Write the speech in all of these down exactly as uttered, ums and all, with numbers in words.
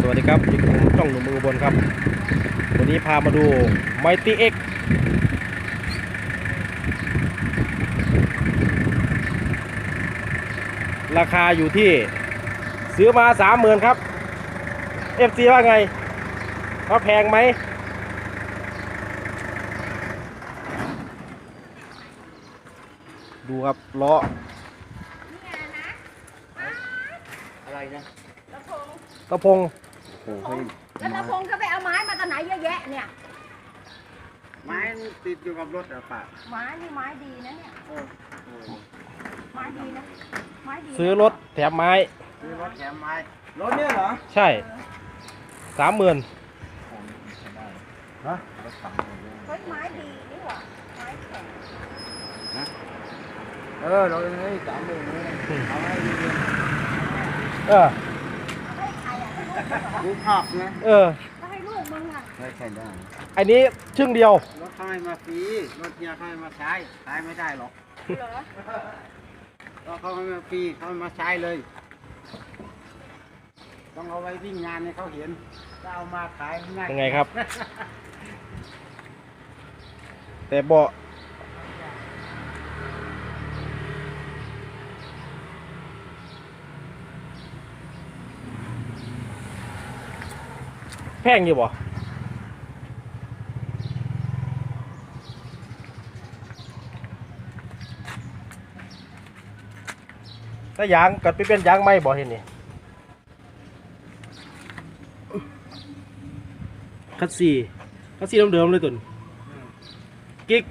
วัสดีครับอยู่กับผมช่องหนุ่มเมืองอุบลครับวันนี้พามาดู Mighty X ราคาอยู่ที่ซื้อมา สามหมื่น ครับ เอฟ ซี ว่าไงว่าแพงไหมดูครับล้ออะไรนะตะพงตะพงโอ้โหแล้วตะพงก็ไปเอาไม้มาตอนไหนเยอะแยะเนี่ยไม้ติดอยู่กับรถอะป่ะไม้นี่ไม้ดีนะเนี่ยไม้ดีนะไม้ดีซื้อรถแถมไม้ซื้อรถแถมไม้รถเนี่ยเหรอใช่สามหมื่นฮะเฮ้ยไม้ดีนี่หว่าไม้แข็งนะเออเราเลยสามหมื่นเลยเอาให้ดีเออให้ใครอ่ะให้ดูลูกภาพนะเออก็ให้ลูกมึงอ่ะไม่ใช่ได้อันนี้ชึ่งเดียวรถเขาให้มาฟรีรถเนี่ยเขาให้มาใช้ใช้ไม่ได้หรอกเหรอก็เขาให้มาฟรีเขามาใช้เลยต้องเอาไว้วิ่งงานให้เขาเห็นจะเอามาขายง่ายยังไงครับแต่เบาะแพงอยู่บ่ถ้ายางกัดไปเป็นยางไม่บ่เห็นนี่คัสซีคัสซีเดิมๆเลยตุนกิ๊ก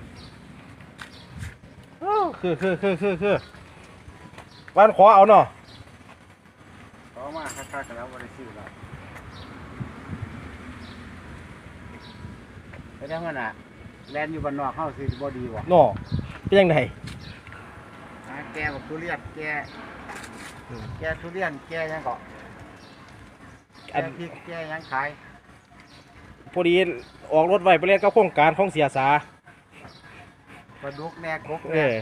คือคือคือคือคือวันขอเอาเนาะขอมาค่าๆกันแล้ววันที่สิบแล้วไปได้เงินอ่ะแลนอยู่บ้านนอกเข้าซื้อบอดีวะเนาะเป็นยังไงแกบอกทุเรียนแกแกทุเรียนแกยังเกาะแกพริกแกยังขายพอดีออกรถไว้ไปเล่นกับโครงการของเสียสาปลาดุกแน่กกเออ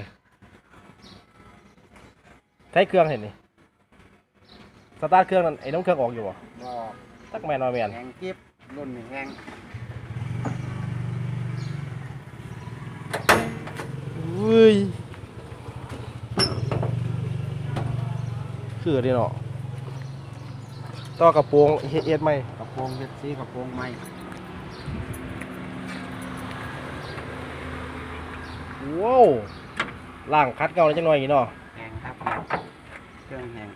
ใช้เครื่องเห็นนี่สตาร์ทเครื่องนั่นไอ้น้องเครื่องออกอยู่บ่ตักแมนนอยแมนแห้งกิ๊บรุ่นแห้งอุ้ยคือดีเนาะต่อกระโปรงเฮ็ดไหมกระโปรงเฮ็ดสีกระโปรงไหมว้าวล่างคัดเก่าเลยจังหน่อยอีกเนาะแห้งครับเครื่องแห้ง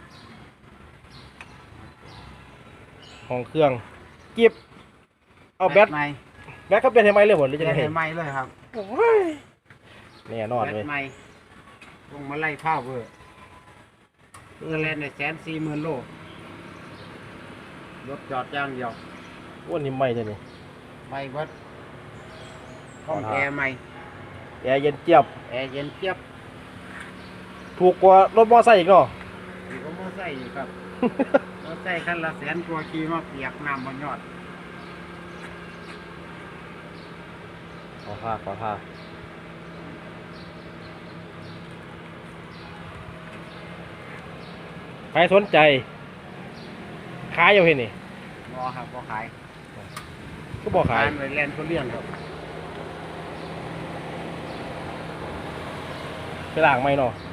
ของเครื่องกิบเอาแบตใหม่แบตเขาเป็นทำไมเลยหมดหรือจะได้เห็นใหม่เลยครับเนี่ยนอนเลยแบตใหม่ลงมาไล่ผ้าเวอร์เงินแลนในแสนสี่หมื่นโลรถจอดย่างเดียววันนี้ไม่เลยนี่ไม่วัดห้องแอร์ใหม่แอร์เย็นเจี๊ยบแอร์เย็นเจี๊ยบถูกกว่ารถมอไซค์อีกเนาะถูกกว่ามอไซค์อีกครับ มอไซค์คันละแสนตัวขี่มาเปียกน้ำบนยอดขอท่าขอท่าใครสนใจขายอยู่เห็นนี่รอครับรอขายก็บอกขายไปแลนด์เขาเลี้ยงครับไปล่างไม่เนาะ